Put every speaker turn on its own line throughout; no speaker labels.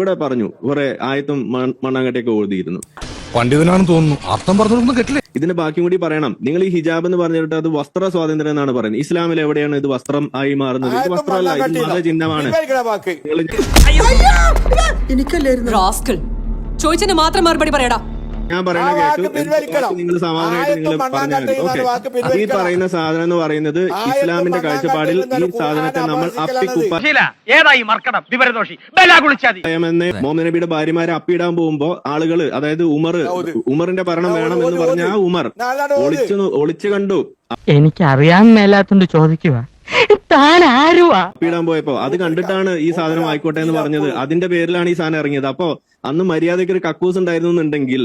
ഇവിടെ പറഞ്ഞു കുറെ ആയത്തും മണ്ണാങ്കട്ടയൊക്കെ ഓതിയിരുന്നു.
പണ്ഡിതനാണെന്ന് തോന്നുന്നു, അർത്ഥം പറഞ്ഞൊന്നും കേട്ടില്ല.
ഇതിന്റെ ബാക്കിയും കൂടി പറയണം. നിങ്ങൾ ഈ ഹിജാബ് എന്ന് പറഞ്ഞിട്ട് അത് വസ്ത്ര സ്വാതന്ത്ര്യം എന്നാണ് പറയുന്നത്. ഇസ്ലാമിൽ എവിടെയാണ് ഇത് വസ്ത്രം ആയി മാറുന്നത്? ഇത് വസ്ത്രമല്ല, ഇത് മതചിഹ്നമാണ്.
ചോദിച്ചതിന് മാത്രം മറുപടി പറയടാ.
ഞാൻ പറയുന്ന കേട്ടു, നിങ്ങൾ സമാധാനമായിട്ട് നിങ്ങൾ പറഞ്ഞാൽ ഓക്കെ. ഈ പറയുന്ന സാധനം എന്ന് പറയുന്നത് ഇസ്ലാമിന്റെ കാഴ്ചപ്പാടിൽ ഈ സാധനത്തെ നമ്മൾ അപ്പിക്കുപ്പായെന്ന് മുഹമ്മദ് നബിയുടെ ഭാര്യമാരെ അപ്പിയിടാൻ പോകുമ്പോ ആളുകള്, അതായത് ഉമറിന്റെ ഭരണം വേണം എന്ന് പറഞ്ഞ ആ ഉമർ ഒളിച്ചു കണ്ടു.
എനിക്ക് അറിയാൻ മേലാത്തോണ്ട് ചോദിക്കുക, താൻ ആരുവാ?
അപ്പിയിടാൻ പോയപ്പോ അത് കണ്ടിട്ടാണ് ഈ സാധനം ആയിക്കോട്ടെ എന്ന് പറഞ്ഞത്. അതിന്റെ പേരിലാണ് ഈ സാധനം ഇറങ്ങിയത്. അപ്പോ അന്ന് മര്യാദയ്ക്ക് ഒരു കക്കൂസ് ഉണ്ടായിരുന്നു എന്നുണ്ടെങ്കിൽ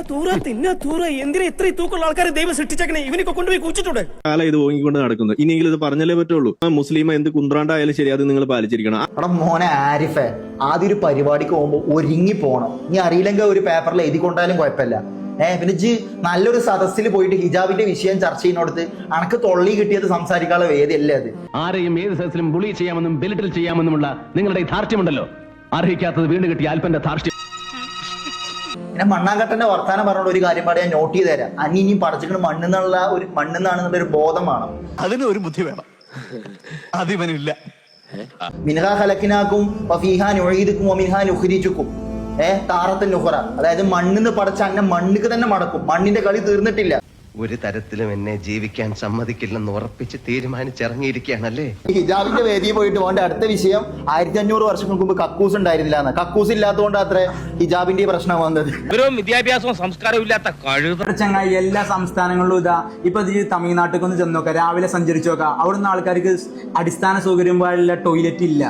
കാലം ഇത് ഓങ്ങിക്കൊണ്ട് നടക്കുന്നു. ഇനിയെങ്കിലും ഇത് പറഞ്ഞാലേ പറ്റുള്ളൂ. മുസ്ലിം എന്ത് കുന്ത്രാണ്ടായാലും ശരി, അത് നിങ്ങൾ പാലിച്ചിരിക്കണം.
അവിടെ മോനെ ആരിഫെ, ആദ്യം ഒരു പരിപാടിക്ക് പോകുമ്പോ ഒരുങ്ങി പോണം. നീ അറിയില്ലെങ്കിൽ ഒരു പേപ്പറിൽ എഴുതി കൊണ്ടാലും കുഴപ്പമില്ല. പിന്നെ ജി നല്ലൊരു സദസ്സിൽ പോയിട്ട് ഹിജാബിന്റെ വിഷയം ചർച്ച ചെയ്യുന്നിടത്ത് അനക്ക് തൊള്ളി കിട്ടിയത് സംസാരിക്കാനുള്ള വേദിയല്ലേ അത്?
ആരെയും ഏത് സദസ്സിലും ബുളി ചെയ്യാമെന്നും ബെലിറ്റിൽ ചെയ്യാമെന്നുമുള്ള നിങ്ങളുടെ ധാർഷ്ട്യമുണ്ടല്ലോ, അർഹിക്കാത്തത് വീണ്ടും കിട്ടിയ അല്പന്റെ ധാർഷ്ട്യം.
പിന്നെ മണ്ണാങ്കട്ടന്റെ വർത്താനം പറഞ്ഞോണ്ട് ഒരു കാര്യം പാടി ഞാൻ നോട്ട് ചെയ്ത് തരാം. ഇനി പഠിച്ചിട്ട് മണ്ണെന്നാണെന്നുള്ള ഒരു ബോധം വേണം.
അതിന് ഒരു ബുദ്ധി വേണം, അതിവനില്ല.
മിൻഹാ ഖലഖ്നാകും വഫീഹാ നുഈദുകും വമിൻഹാ നുഖ്രിജുകും താറത്തുൻ നുഖറ. അതായത് മണ്ണിന്ന് പടച്ച അങ്ങനെ മണ്ണിക്ക് തന്നെ മടക്കും. മണ്ണിന്റെ കളി തീർന്നിട്ടില്ല.
ഒരു തരത്തിലും എന്നെ ജീവിക്കാൻ സമ്മതിക്കില്ലെന്ന് ഉറപ്പിച്ച് തീരുമാനിച്ചിറങ്ങിയിരിക്കുകയാണല്ലേ.
ഹിജാബിന്റെ വേദിയിൽ പോയിട്ട് പോകേണ്ട അടുത്ത വിഷയം 1500 വർഷങ്ങൾക്ക് മുമ്പ് കക്കൂസ് ഉണ്ടായിരുന്നില്ല എന്ന്. കക്കൂസ് ഇല്ലാത്തതുകൊണ്ട് അത്ര ഹിജാബിന്റെ പ്രശ്നം വന്നത്.
വിദ്യാഭ്യാസവും സംസ്കാരവും ഇല്ലാത്ത
ചങ്ങായി എല്ലാ സംസ്ഥാനങ്ങളിലും ഇതാ. ഇപ്പൊ തമിഴ്നാട്ടിൽ ഒന്ന് ചെന്ന് നോക്കാം, രാവിലെ സഞ്ചരിച്ചു നോക്കാം, അവിടുന്ന് ആൾക്കാർക്ക് അടിസ്ഥാന സൗകര്യം പോലുള്ള ടോയ്ലറ്റ് ഇല്ല.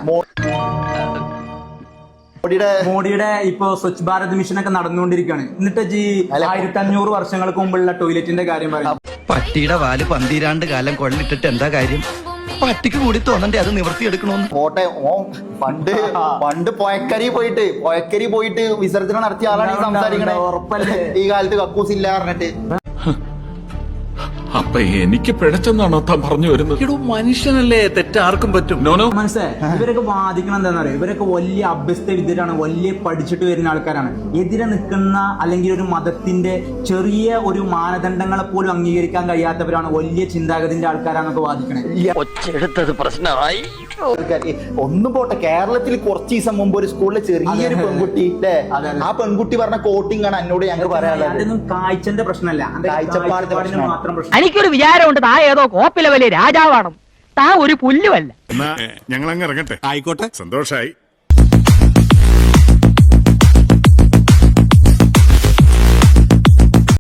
മോഡിയുടെ ഇപ്പൊ സ്വച്ഛ് ഭാരത് മിഷൻ ഒക്കെ നടന്നുകൊണ്ടിരിക്കുകയാണ്. എന്നിട്ട് 1500 വർഷങ്ങൾക്ക് മുമ്പുള്ള ടോയ്ലറ്റിന്റെ കാര്യം പറയാം.
പട്ടിയുടെ വാല് 12 കാലം കൊള്ളിട്ടിട്ട് എന്താ കാര്യം? പട്ടിക്ക് കൂടി തോന്നണ്ടേ അത് നിവർത്തിയെടുക്കണോന്ന്?
പോട്ടെ, പണ്ട് പൊയക്കരി പോയിട്ട് വിസർജനം നടത്തിയ ആളാണ് ഈ സംസാരിക്കണേ. ഉറപ്പല്ലേ ഈ കാലത്ത് കക്കൂസ് ഇല്ല പറഞ്ഞിട്ട്?
അപ്പൊ എനിക്ക് പിഴച്ചെന്നാണോ താൻ പറഞ്ഞു വരുന്നത്? മനുഷ്യനല്ലേ, തെറ്റാർക്കും പറ്റും.
മനസ്സിലായി. ഇവരൊക്കെ വാദിക്കണം എന്താണെന്ന് അറിയാം. ഇവരൊക്കെ വലിയ അഭ്യസ്ത വിദ്യരാണ്, വലിയ പഠിച്ചിട്ട് വരുന്ന ആൾക്കാരാണ്. എതിരെ നിൽക്കുന്ന അല്ലെങ്കിൽ ഒരു മതത്തിന്റെ ചെറിയ ഒരു മാനദണ്ഡങ്ങളെ പോലും അംഗീകരിക്കാൻ കഴിയാത്തവരാണ്, വലിയ ചിന്താഗതിന്റെ ആൾക്കാരാന്നൊക്കെ വാദിക്കണേ.
പ്രശ്നമായി.
ഒന്നും പോട്ടെ, കേരളത്തിൽ കുറച്ച് ദിവസം മുമ്പ് ഒരു സ്കൂളിലെ ചെറിയൊരു പെൺകുട്ടി അല്ലേ, ആ പെൺകുട്ടി പറഞ്ഞ കോട്ടിംഗ് ആണ് എന്നോട് ഞങ്ങൾക്ക് പറയാനുള്ളത്.
അതൊന്നും കാഴ്ചന്റെ പ്രശ്നമല്ല,
കാഴ്ചപ്പാടിന്റെ
മാത്രം പ്രശ്നം.
എനിക്കൊരു വിചാരമുണ്ട്, താ ഏതോ കോപ്പിലെ വലിയ രാജാവാണ്, താ ഒരു പുല്ലുമല്ല.
ഞങ്ങൾ അങ്ങ് ഇറങ്ങട്ടെ. ആയിക്കോട്ടെ, സന്തോഷായി.